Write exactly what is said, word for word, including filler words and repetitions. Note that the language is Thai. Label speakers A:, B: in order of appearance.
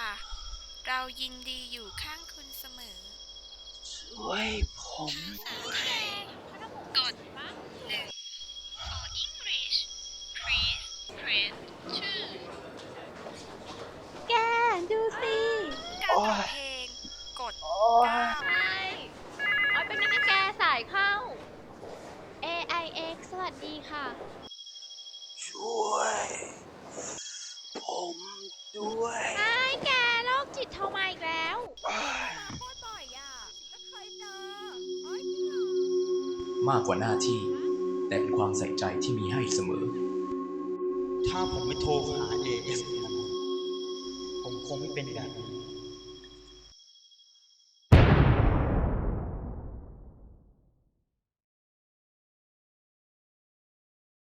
A: เรายินดีอยู่ข้างคุณเสมอ
B: ช่วยผมด้วย
A: กดหนึ่ง for English please press two
C: แกดูสิ
A: การเปิดเพลงกด
B: โอ้ย
A: เก้า
C: ใช่โอ้ยเป็นไงนะแกสายเข้า เอ ไอ เอ็กซ์ สวัสดีค่ะ
B: ช่วย ผมด้วย
C: ไอ้แกโรคจิตโทรมาอีกแล้ว
A: โคตรบ่อยอ่ะก็เคยเจอ
D: มากกว่าหน้าที่ แต่เป็นความใส่ใจที่มีให้เสมอ
E: ถ้าผมไม่โทรหา เอ เอส มันผมคงไม่เป็นแบบนี้